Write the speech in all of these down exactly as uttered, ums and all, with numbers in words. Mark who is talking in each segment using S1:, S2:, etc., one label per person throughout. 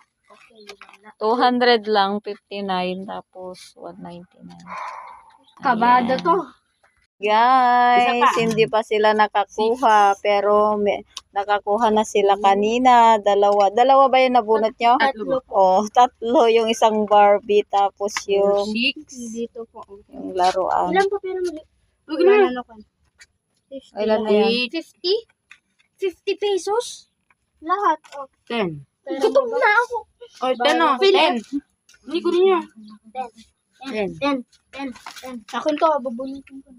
S1: two hundred lang, fifty-nine, tapos one ninety-nine.
S2: Kabado to.
S1: Guys, hindi pa sila nakakuha, pero may, nakakuha na sila kanina. Dalawa. Dalawa ba yung nabunot nyo?
S2: Tatlo.
S1: Oh, tatlo. Yung isang Barbie, tapos yung,
S2: Six. Dito po.
S1: yung laruan.
S2: Ilan pa pero mali? Huwag na.
S1: Ilan na yan?
S2: fifty? fifty pesos? Lahat. Oh. ten. Gutom na ako. Oh, ten o. ten. Hindi ko rin yan. ten. ten. ten. ten. ten. Akin to, babulitin ko.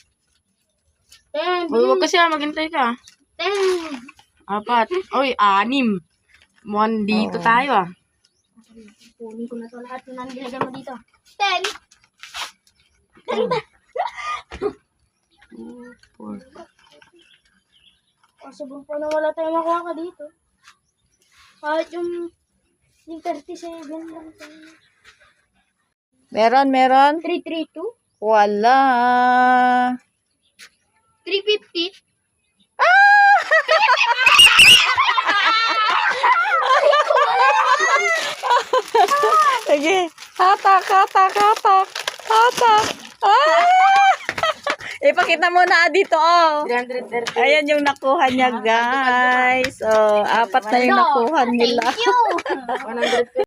S2: ten. Uy, wag kasi ah, maghintay ka. ten. Apat. Uy, anim. One dito
S1: Oo.
S2: tayo ah. Kunin ko na to lahat na nilagay mo dito. ten. ten ba? four. Oh, sobrang pa na wala tayong makuha ka dito. Kahit yung yung thirty-seven lang tayo.
S1: Meron, meron?
S2: three thirty-two?
S1: Wala.
S2: three fifty?
S1: Sige. Hatak, hatak, hatak. Hatak. Ah! Ipakita mo na dito, oh.
S2: three thirty.
S1: Ayan yung nakuha niya, guys. Oh, apat na yung nakuha nila.
S2: Thank you! one hundred